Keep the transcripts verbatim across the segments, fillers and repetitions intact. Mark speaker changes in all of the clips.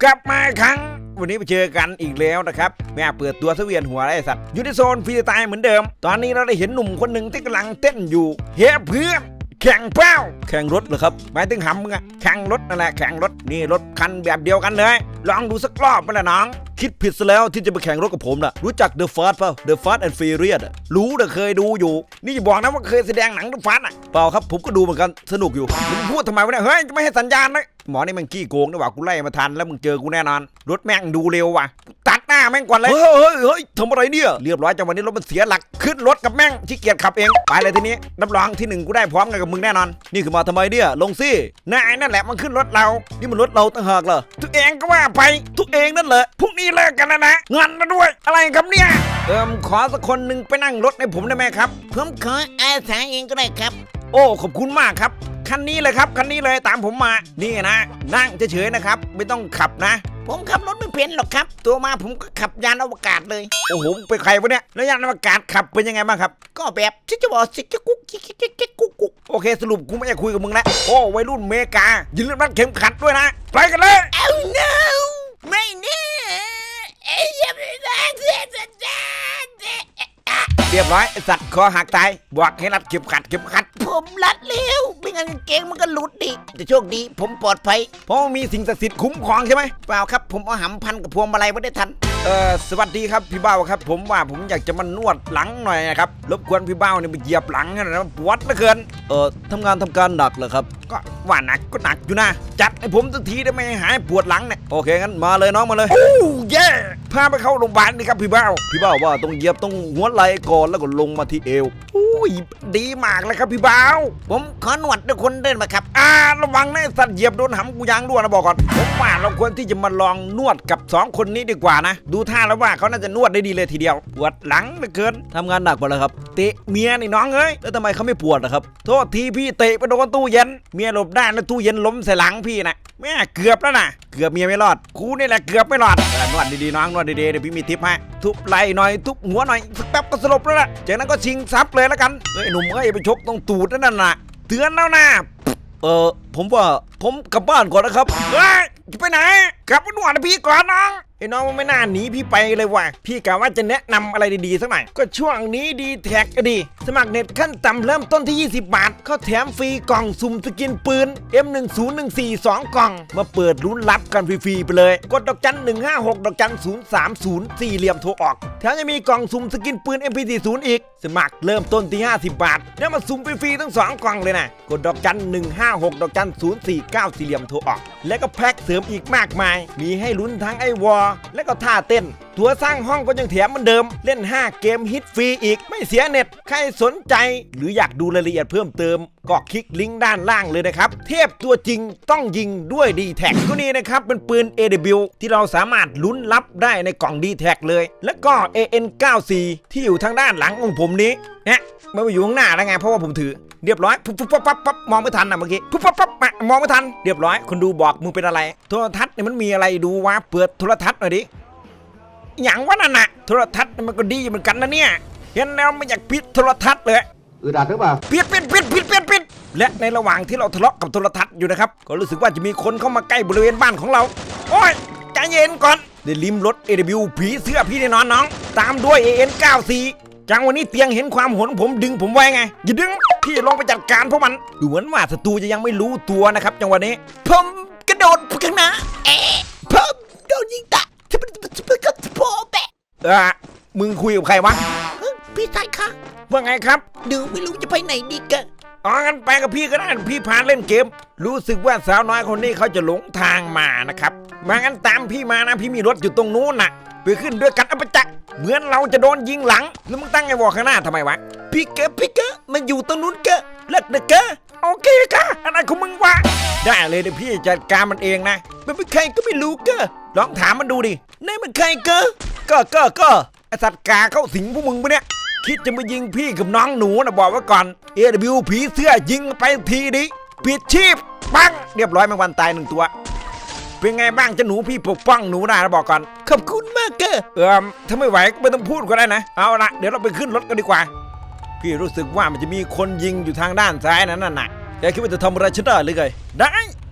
Speaker 1: กลับมาครั้งวันนี้ไปเจอกันอีกแล้วนะครับแม่เปิดตัวเสวียนหัวไอ้สัตว์อยู่ในโซนฟรีสไตล์เหมือนเดิมตอนนี้เราได้เห็นหนุ่มคนหนึ่งที่กำลังเต้นอยู่เฮ้เพื่อนแข่งเป้าแข่งรถเหรอครับหมายถึงหำมึงอะแข่งรถนั่นแหละแข่งรถนี่รถคันแบบเดียวกันเลยลองดูสักรอบไปละน้องคิดผิดซะแล้วที่จะไปแข่งรถกับผมนะรู้จัก The Fast เปล่า The Fast and Furious อะรู้แต่เคยดูอยู่นี่อย่าบอกนะว่าเคยแสดงหนัง The Fast อะเปล่าครับผมก็ดูเหมือนกันสนุกอยู่มึงพูดทำไมวะเนี่ยเฮ้ยจะไม่ให้สัญญาณนะหมอนี่มันขี้โกงนะว่ากูไล่มาทันแล้วมึงเจอกูแน่นอนรถแม่งดูเร็วว่ะตัดหน้าแม่งก่อนเลยเฮ้ยเฮ้ยเฮ้ยทำอะไรเนี่ยเรียบร้อยจังวันนี้รถมันเสียหลักขึ้นรถกับแม่งขี้เกียจขับเองไปเลยทีนี้รับรองที่หนึ่งกูได้พร้อมกันกับมึงแน่นอนนี่คือมาทำไมเนี่ยลงสินายนั่นแหละมันขึ้นรถเรานี่มันรถเราต่างหากเหรอตัวเองก็ว่าไปตัวเองนั่นแหละพรุ่งนี้เลิกกันแล้วนะงอนมาด้วยอะไรครับเนี่ยเอิมขอสักคนหนึ่งไปนั่งรถให้ผมได้ไหมครับ
Speaker 2: ผมขออาสาเองก็ได้ครับ
Speaker 1: โอ้ขอบคุณมากครับคันนี้เลยครับคันนี้เลยตามผมมานี่นะนั่งเฉยๆนะครับไม่ต้องขับนะ
Speaker 2: ผมขับรถไม่เป็นหรอกครับตัวมาผมก็ขับยานอวกาศเลย
Speaker 1: โอ้โหเป็นใครวะเนี่ยแล้วยานอวกาศขับเป็นยังไงบ้างครับ
Speaker 2: ก็แบบชิจะบอกชิจะกุ๊กชิจะจะกุ๊กกุ๊ก
Speaker 1: โอเคสรุปกูไม่อยากคุยกับมึงแล้วโอ้วัยรุ่นเมกายืนรัดเข็มขัดด้วยนะไปกันเลย
Speaker 2: เอ้า no ไม่แน่เอ้ยยังไม่ได้เสียสัญญาณ
Speaker 1: เรียบร้อยสัตว์คอหักตายบอกให้รัดเข็มขัดเข็มขัด
Speaker 2: ผมรัดเร็วไม่งั้นเกงมันก็หลุดดิแต่โชคดีผมปลอดภัย
Speaker 1: เพราะมีสิ่งศักดิ์สิทธิ์คุ้มครองใช่ไหม
Speaker 2: เปล่าครับผมเอาหำพันกับพวงมาลัยไม่ได้ทัน
Speaker 1: เออสวัสดีครับพี่เบ้าครับผมว่าผมอยากจะมานวดหลังหน่อยนะครับรบกวนพี่เบ้าเนี่ยไปเหยียบหลังนะปวดเหลือเกินเออทำงานทำการหนักเหรอครับก็ว่าหนักก็หนักอยู่นะจัดให้ผมสักทีได้ไหมหายปวดหลังเนี่ยโอเคงั้นมาเลยน้องมาเลยโอ้เย่พาไปเข้าโรงพยาบาลนี่ครับพี่เบ้าพี่เบ้าว่าต้องเหยียบต้องหัวไหล่ก่อนแล้วก็ลงมาที่เอวอุ้ยดีมากเลยครับพี่เบ้า
Speaker 2: ผมขอหนวดด้วยคนเดินมาครับ
Speaker 1: อ่าระวังนะสัตว์เหยียบโดนหำกูยางรั่วนะบอกก่อนผมว่าเราควรที่จะมาลองนวดกับสองคนนี้ดีกว่านะดูท่าแล้วว่าเขาน่าจะนวดได้ดีเลยทีเดียวปวดหลังเหลือเกินทำงานหนักไปแล้วครับเตะเมียนี่น้องเอ้ยแล้วทำไมเขาไม่ปวดนะครับโทษทีพี่เตะไปโดนตู้เย็นเมียหลบได้แล้วตู้เย็นล้มใส่หลังพี่นะแม่เกือบแล้วนะเกือบเมียไม่รอดกูนี่แหละเกือบไม่รอดนวดดีๆน้องนวดดีๆเดี๋ยวพี่มีทิปให้ทุบไหล่หน่อยทุบหัวหน่อยสักแป๊บก็สลบแล้วล่ะจากนั้นก็ชิงทรัพย์เลยแล้วกันเฮ้ยหนุ่มเอ้ยไปชกตรงตูดนั่นน่ะเตือนแล้วนะเออผมว่าผมกลับบ้านก่อนนะครับเฮ้ยจะไปไหนกลับไปนวดนะพี่ก่อนน้องไอ้น้องมันไม่น่าหนีพี่ไปเลยว่ะพี่กะว่าจะแนะนำอะไรดีๆสักหน่อยก็ช่วงนี้ดีแท็กก็ดีสมัครเน็ตขั้นต่ำเริ่มต้นที่ยี่สิบบาทเขาแถมฟรีกล่องสุ่มสกินปืน เอ็ม หนึ่ง ศูนย์ หนึ่ง สี่ สอง กล่องมาเปิดลุ้นรับกันฟรีๆไปเลยกดดอกจันหนึ่งห้าหกดอกจันศูนย์สามศูนย์สี่เหลี่ยมโทรออกแถมยังมีกล่องสุ่มสกินปืน เอ็ม พี สี่สิบ อีกสมัครเริ่มต้นที่ห้าสิบบาทแล้วมาสุ่มฟรีๆทั้งสองกล่องเลยนะกดดอกจันหนึ่งห้าหกดอกจันศูนย์สี่เก้าสี่เหลี่ยมโทรออกและก็แพ็คเสริมอีกมากมายมีให้ลุ้นทั้งไอวอลและก็ท่าเต้นตัวสร้างห้องก็ยังแถมเหมือนเดิมเล่นห้าเกมฮิตฟรีอีกไม่เสียเน็ตใครสนใจหรืออยากดูรายละเอียดเพิ่มเติมก็คลิกลิงก์ด้านล่างเลยนะครับเทพตัวจริงต้องยิงด้วย ดี แท็ก ก็นี่นะครับเป็นปืน เอ ดับเบิลยู ที่เราสามารถลุ้นรับได้ในกล่อง ดี แท็ก เลยแล้วก็ เอ เอ็น เก้าสิบสี่ ที่อยู่ทางด้านหลังของผมนี้เนี่ยไม่ไปอยู่ข้างหน้าแล้วไงเพราะว่าผมถือเรียบร้อยปุ๊บปุ๊บปั๊บปั๊บปั๊บมองไม่ทันนะเมื่อกี้ปุ๊บปั๊บปั๊บมองไม่ทันเรียบร้อยคนดูบอกมึงเป็นอะไรโทรทัศน์เนี่ยมันมีอะไรดูวะเปิดโทรทัศน์หน่อยดิอย่างว่านั่นน่ะโทรทัศน์มันก็ดีเหมือนกันนะเนี่ยเห็นแล้วไม่อยากปิดโทรทัศน์เลย
Speaker 3: อืดอัดหรือเปล่า
Speaker 1: ปิดปิดปิดปิดปิดปิดและในระหว่างที่เราทะเลาะกับโทรทัศน์อยู่นะครับก็รู้สึกว่าจะมีคนเข้ามาใกล้บริเวณบ้านของเราโอ้ยใจเย็นก่อนได้ลิ้มรส เอ ดับเบิลยู ผีเสื้อพี่แน่นอนน้องตามด้วย เอ เอ็น เก้าสิบสี่จังวันนี้เตียงเห็นความโหดผมดึงผมไว้ไงอย่าดึงพี่ลองไปจัดการพวกมันดูเหมือนว่าศัตรูจะยังไม่รู้ตัวนะครับจังหวะนี้
Speaker 2: ผมกระโดดข้างหน้าเอ๊ะผมโดนยิงตะที่มันมันก็โผล่แปะ
Speaker 1: เออมึงคุยกับใครวะ
Speaker 2: พี่ชายคะ
Speaker 1: ว่าไงครับ
Speaker 2: ดูไม่รู้จะไปไหนดีกะ
Speaker 1: อ๋องั้นไปกับพี่ก็ได้พี่พาเล่นเกมรู้สึกว่าสาวน้อยคนนี้เขาจะหลงทางมานะครับมางั้นตามพี่มานะพี่มีรถอยู่ตรงนู้นน่ะไปขึ้นด้วยกันอัปจักเหมือนเราจะโดนยิงหลังแล้วมึงตั้งไอ้วอข้างหน้าทำไมวะ
Speaker 2: พี่เก๋พี่เก๋มันอยู่ตรงนู้นเก๋เลิกเด็กเก๋
Speaker 1: โอเคค่ะอะไรของมึงวะได้เลยเดี๋ยวพี่จัดการมันเองนะ
Speaker 2: มันเป็นใครก็ไม่รู้เก๋
Speaker 1: ลองถามมันดูดิ
Speaker 2: นี่มันใครเก๋
Speaker 1: ก็ก็ก็ไอสัตว์กาเข้าสิงพวกมึงปะเนี่ยคิดจะมายิงพี่กับน้องหนูนะบอกไว้ก่อน เอ ดับเบิลยู ผีเสื้อยิงไปทีดิปิดชีพปังเรียบร้อยแมงวันตายหนึ่งตัวเป็นไงบ้างจะหนูพี่ปกป้องหนูได้นะบอกก่อน
Speaker 2: ขอบคุณมากเก๋
Speaker 1: เออถ้าไม่ไหวก็ไม่ต้องพูดก็ได้นะเอาละเดี๋ยวเราไปขึ้นรถกันดีกว่าพี่รู้สึกว่ามันจะมีคนยิงอยู่ทางด้านซ้ายนั่นน่ะแกคิดว่าจะทำอะไรฉันได้หรือไงได้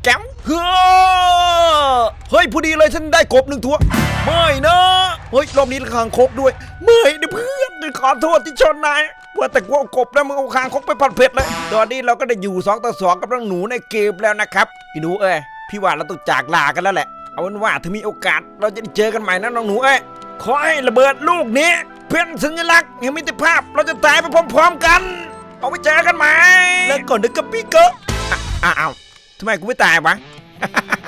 Speaker 1: แก้มเฮ้อเฮ้ยพอดีเลยฉันได้กบหนึ่งตัวไม่นะเฮ้ยรอบนี้คางคกด้วยไม่นะเพื่อนขอโทษที่ชนนายว่าแต่กูเอากบแล้วมึงเอาคางคกไปผัดเผ็ดเลยตอนนี้เราก็ได้อยู่สองต่อสองกับน้องหนูในเกมแล้วนะครับพี่หนูเอ้ยพี่ว่าเราต้องจากลากันแล้วแหละเอาเป็นว่าถ้ามีโอกาสเราจะได้เจอกันใหม่นะน้องหนูเอ้ยขอให้ระเบิดลูกนี้เป็นสัญลักษณ์แห่งมิตรภาพเราจะตายไปพร้อมๆกันเอาไปเจอกันใหม่
Speaker 2: แล้วก่อนนึกกับพี่เกอ
Speaker 1: อ้าวทำไมกูไม่ตายวะ